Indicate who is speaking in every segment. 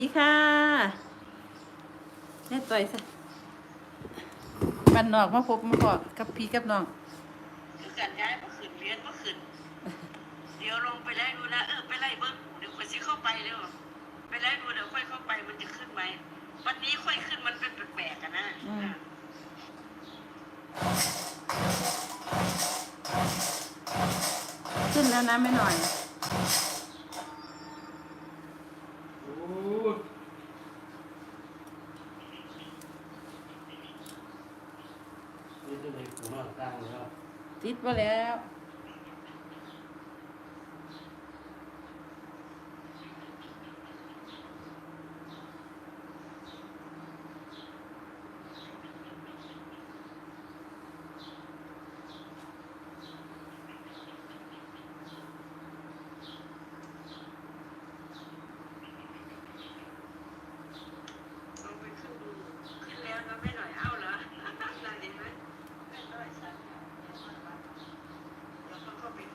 Speaker 1: ดีค่ะแม่ต่อยซะบ้านนอกมาพบมาพอกับพี่กับน้อง
Speaker 2: คือการย้ายมาขึ้นเรียนมาขึ้นเดี๋ยวลงไปไล่ดูนะไปไล่เบิ้งเดี๋ยวค่อยสิเข้าไปเร็วไปไล่ดูเดี๋ยวค่อยเข้าไปมันจะขึ้นไหมวันนี้ค่อยขึ้นมันเป็นแปลกๆกันนะ
Speaker 1: ขึ้นแล้วนะไม่หน่อยติดไปแล้ว
Speaker 2: ลองไปขึ้นดูขึ้นแล้วนะไม่หน่อยเอาเหรอนั่นเห็นไหมไม่น้อยสันเดี๋ยวเขาเข้าไปดู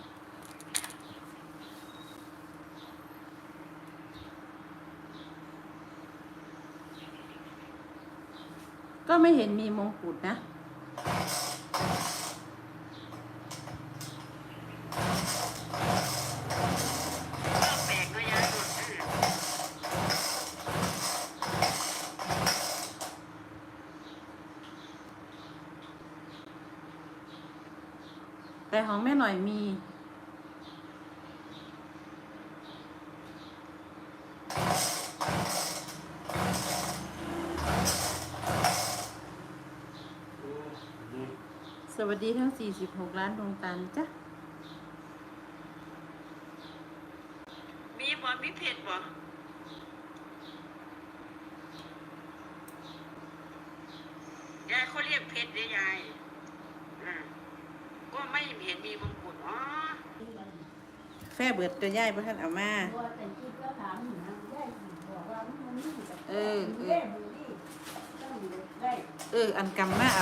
Speaker 1: ก็ไม่เห็นมีมงกุฎนะ
Speaker 2: แปลกด้วยยายดู
Speaker 1: แต่ของแม่หน่อยมีสวัสดีทั้ง46 ล้านดวงตาจ้ะ
Speaker 2: มีเผ็ดบ่ยายเขาเรียกเผ็ดได้ยายก็ไม่เห็นมีมงกุฎอ๋อ
Speaker 1: แฟ่เบิดตัวย่ายพระท่านเอามาอันกำมาเอา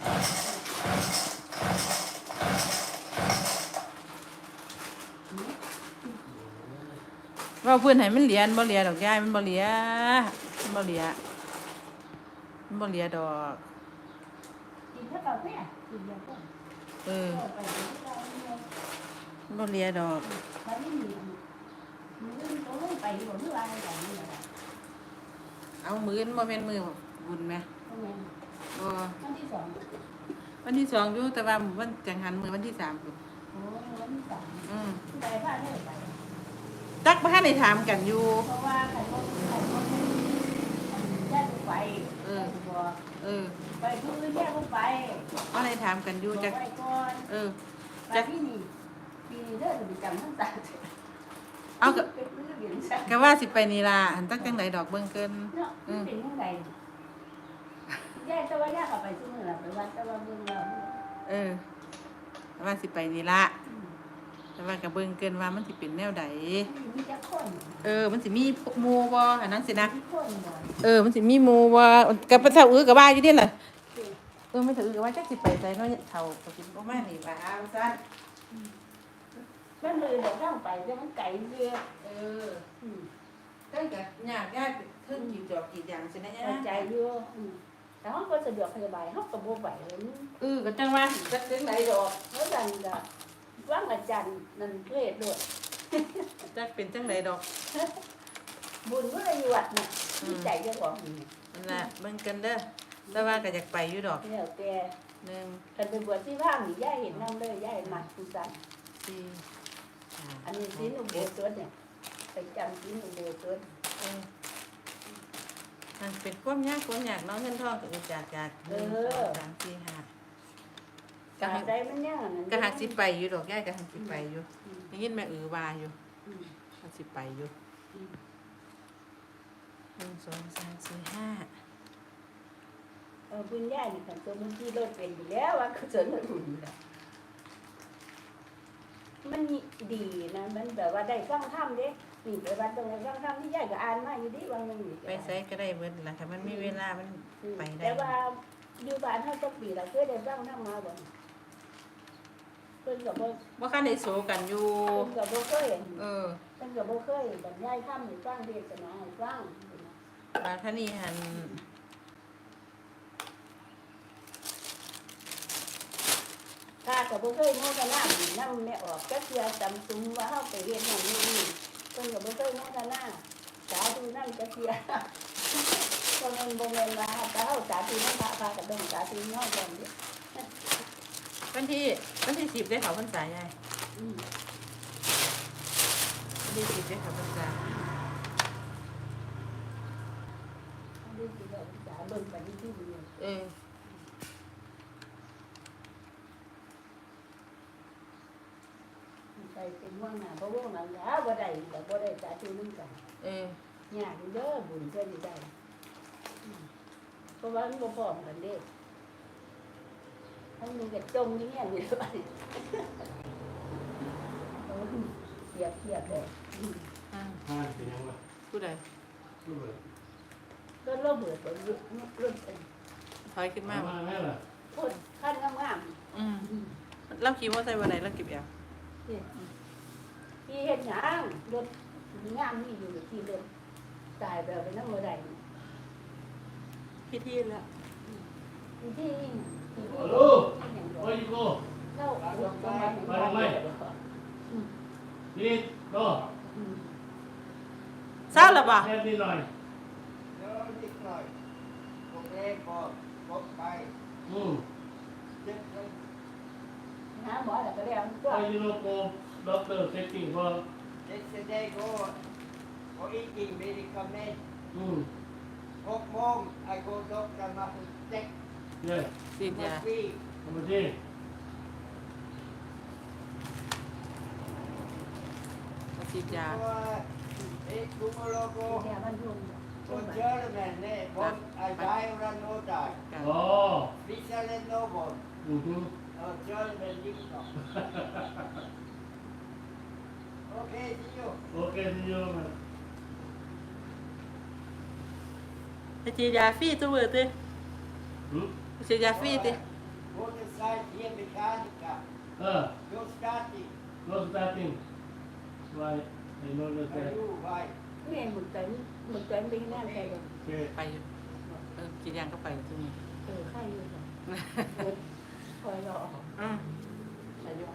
Speaker 1: ว่าเพื่อนให้มันเหลียนบ่เหลียดอกย่ายมันบ่เหลียมันบ่เหลียมันบ่เหลียดอกมันบ่เหลียดอกเอามือบ่แม่นมือบุญไหมบ่วันที่2อยู่แต่ว่าวันจังหันมือวันที่3พุ่นตักบ่ทันได้ถามกันอยู่
Speaker 3: เพราะว่าใครก็แยกไปไปทุกเรื่องแยกไป
Speaker 1: ว่าได้ถามกันอยู่จัก
Speaker 3: จักที่นี่ปีนี้เด้อจะไปจำทั้งตา
Speaker 1: เอาก็ว่าสิไปนี่ล่ะอันตักจังไดดอกเบิ่งเกิน
Speaker 3: เนาะเป็นจังไดแยกแต่ว่าแยกออกไปซุมื้อล่ะไปวัดแต่ว่าเบิ่งแล้ว
Speaker 1: ว่าสิไปนี่ล่ะแต่ว่าก็เบิ่งเกินว่ามันสิเป็นแนวใด
Speaker 3: มีจักคน
Speaker 1: มันสิมีหมู่บ่อันนั้นสินะมันสิมีหมู่บ่กับเฒ่าก็ว่าอยู่เด้ล่ะไม่ถือก็ว่าจักสิไปไสเนาะเฒ่าก็สิบ่มานี่ว่าเอาซั่น
Speaker 3: มันเลยเดี๋ยวเข้าไปแต่มันไกลเรื่อย
Speaker 1: ก็ก็ยากเทิงกี่จอกกี่อย่างสินะยะ
Speaker 3: ใจอยู่แต่ห้องก็สะดวกสบายห้องก็บ่ไหว
Speaker 1: ก็จังว่าจักจังไดดอก
Speaker 3: เพราะดันก็ว่างอาจารย์นั่นเกรดด้วย
Speaker 1: จักเป็นจังไดดอก
Speaker 3: บุญก็เลยวัดน่ะที่ใจเจ้าของ
Speaker 1: นั่นล่ะเบิ่งกันเด้อแต่ว่าก็อยากไปอยู่ดอก
Speaker 3: แล้วแต่
Speaker 1: 1
Speaker 3: คันไปบวชที่ว่างนี่ย่าเห็นนำเลยย่ามักผู้สั่นอันนี้สิหนูโบสถ์เนี่ยไปจำสิหนูโบสถ์
Speaker 1: มันเป็นความยากเนาะเงินทองก็จาก3 4 5
Speaker 3: ก็ได้มันยากนั่น
Speaker 1: ก็หักสิไปอยู่ดอกย่ายก็หักสิไปอยู่ได้ยินแม่ว่าอยู่หักสิไปอยู่1 2 3 4 5
Speaker 3: บุญย่านี่คันตัวมันที่รถเป็นอยู่แล้วว่าคือสนบุญมันดีนะมันแบบว่าได้ฟังธรรมเด้นี่ไปวัดตรงไหนฟังธรรมที่ย่าก็อ่านมาอยู่ดิบางนึง
Speaker 1: ไปไสก็ได้เบิดล่ะถ้ามันมีเวลามันไปได้
Speaker 3: แต่ว่าอยู่บ้านเฮาก็ปีละเคยได้ฟังธรรมมาบ่เพิ่นก็บ่
Speaker 1: คันได้โสกันอยู่
Speaker 3: เพิ่นก็บ่เคย
Speaker 1: แต่
Speaker 3: พิ่นก็บ่เคยบรรยายธรรมให้ฟังเทศนาให้ฟัง
Speaker 1: บาท่านี่หัน
Speaker 3: ถ้าก็บ่เคยโมทนาบุญนำแม่ออกจักเทื่อจำสุมว่าเฮาไปเฮ็ดนั่นนี่เพิ่นก็บ่เคยโมทนาสาธุนำจักเทื่อก็มันบ่แม่นว่าถ้าเฮาสาธุนำพระก็ต้องสาธุนำกันดิ
Speaker 1: วันที่10ได้เขาพรรษาใหญ่
Speaker 3: อืม
Speaker 1: วันที่10ได้เขาพรรษา
Speaker 3: อันนี้สิได้สาเบิ่งปฏิทินอยู่
Speaker 1: เออ
Speaker 3: ไปเป็นว่างหน้าบ่วงหน้าหลาบ่ได้ก็บ่ได้สาธุนำกัน
Speaker 1: เออ
Speaker 3: ยากอยู่เด้อบุญเพื่อสิได้เพราะว่ามันบ่พร้อมกันเด้ทั้งนึงก็จมอยู่เนี่ยอยู่บัดนี้เทียบเลย
Speaker 1: อ่า
Speaker 4: ห้าเป็นยังไง
Speaker 1: ผู้ใด
Speaker 4: รูปแบบ
Speaker 3: ก็โลเบิดบ่รุ่น
Speaker 1: ถอยขึ้นมา
Speaker 4: มาแม่ล่ะ
Speaker 3: โพดคันงาม
Speaker 1: อืมเราขี่มอเตอร์ไซค์วันไหนเราเก็บแอว
Speaker 3: ๆนี่ที่เฮ็ดหยังรถงามนี่อยู่ที่เดิมตายแบบเป็นนำบ่ได้
Speaker 1: พิธีแล้ว
Speaker 3: ที่
Speaker 4: ฮัลโหลโอ้ยโก้
Speaker 3: เล่าหลวงประมาณนี้
Speaker 4: นี่ก็
Speaker 1: เศร้าแล้วบ่
Speaker 4: แค่นิดหน่อย
Speaker 5: เดี๋ยวนิดหน่อยโอเคพอพบไป
Speaker 4: อืม
Speaker 5: เจ็บลง
Speaker 3: หาหมอแล้วก็แล้วก็
Speaker 4: ไปยูโรโกด็อกเตอร์เซตติ้งว่า
Speaker 5: เจ็บเสด็จก็อีกจริงไม่ได้คอมเมนต์
Speaker 4: อืม
Speaker 5: 6 โมงไอ้โกดกจะมาเจ็บ
Speaker 1: ส
Speaker 4: เนี่ยิ
Speaker 1: ทธิ์ยา
Speaker 5: พี่
Speaker 4: ทำมาที่
Speaker 1: ฉีดยา
Speaker 5: ตัวเอ็กซ์กุมโลโก
Speaker 3: เนี่ยมันยุ่ง
Speaker 5: คนเจอแม่เนี่ยบอลไอ้ใจรันโนได้
Speaker 4: อ๋อ
Speaker 5: วิชาเล่นโนบอล
Speaker 4: อือฮึ
Speaker 5: เจอแม่ยิ่งต่อโอเคที่อยู่
Speaker 4: โอเคที่ยูมา
Speaker 1: ไปฉีดยาฟรีตัวเบิดติ
Speaker 4: อืม
Speaker 1: ไปฉีดยาฟรีติ
Speaker 5: มอเตอร์ไซค์เทียบเมคานิกา
Speaker 4: โย
Speaker 5: โยสตาร์ติ
Speaker 4: โน้ตสตาร์ติ้งไว้ไอ้โน้ตเลย
Speaker 5: อายุไว้
Speaker 3: นี่หมึกใจมันเป็นแน่ใจเลย
Speaker 4: โอเค
Speaker 1: ไปอยู่กินยางก็ไปที่นี่
Speaker 3: ไข่อยู่จ้ะคอยรอ
Speaker 1: อืม
Speaker 3: อายุ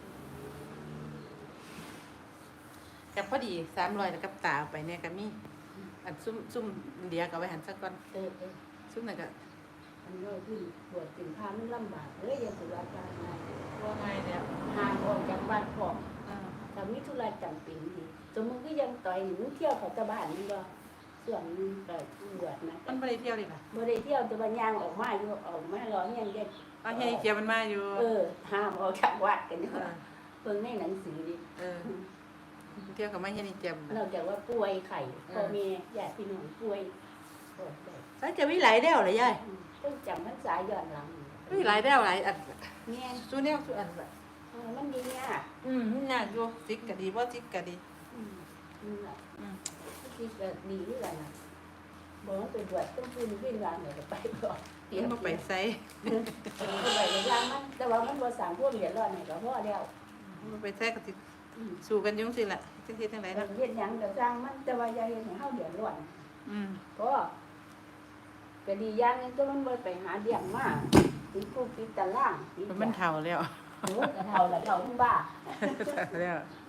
Speaker 1: กับพอดี300แล้วกับตาเอาไปเนี่ยก็มีอันซุ่มเดียวก็เอาไว้หันซะก่อน
Speaker 3: เออ
Speaker 1: ซุ่มนั่นก็
Speaker 3: มันก็ขึ้นปวดถึงพามันลำบากเลยยังสุราการงาน
Speaker 1: ว่าง่ายแล้ว
Speaker 3: ห่างออกจากบ้านพ่อ
Speaker 1: อ่า
Speaker 3: แต่มีธุระจำเป็นดีสมมติก็ยังต่อยหนูเที่ยวเขาตะบ้านนี่ก็ส่วนนึงก็บวชนะ
Speaker 1: มันบ่ได้เที่ยวเลยล่ะ
Speaker 3: บ่ได้เที่ยวแต่ว่ายางออกมาอยู่ออกมารอเงี้ยเด็ก
Speaker 1: เอาเฮียเกียวมันมาอยู่
Speaker 3: ห้ามออกจากวัดกันอยู่
Speaker 1: เออ
Speaker 3: เพิ่งในหนังสือดิ
Speaker 1: เออเที่ยวกับมาเฮียนี่เจียม
Speaker 3: นอกจากว่าป่วยไข้พ่อแม่ญาติพี่น้องป่วยปวดได้
Speaker 1: แล้วจะมีหลายแนวเลยยาย
Speaker 3: ต้องจำพรรษาย้อนหลัง
Speaker 1: มีหลายแนวหลายอัน
Speaker 3: แม่น
Speaker 1: สู้แนวสู้อันแบบ
Speaker 3: มันดียาก
Speaker 1: มันยากอยู่ซิกก็ดีบ่ซิกก็ดี
Speaker 3: นี่แหละ
Speaker 1: อืม
Speaker 3: คิดแบบดีด้วยกันนะบอกว่าไปบวชต้องพูดวิ่งรางเลยไปก่อนเตรีย
Speaker 1: มัน
Speaker 3: ม
Speaker 1: บ่ไปไส
Speaker 3: ไปในรางมันแต่ว่ามันบ่สร้างพวกเดือดร้อนให้กับพ่อแล้ว
Speaker 1: มันบ่ไปไสก็สิสู้กันอยุ่จังซี่ล่ะจังซี่จังได๋เนาะ
Speaker 3: เฮ็ดหยังก็สร้างมันแต่ว่าอย่าเฮ็ดให้เฮาเดือดร้อน
Speaker 1: อืม
Speaker 3: ก็ดีอย่างนึงก็มันบ่ไปหาเดี่ยงมาติดคุกติดตารางติด
Speaker 1: มันเฒ่าแล้ว
Speaker 3: โอ้ก็เฒ่าแล้วเฒ่าทั้งบ้า
Speaker 1: เฒ่าแล้ว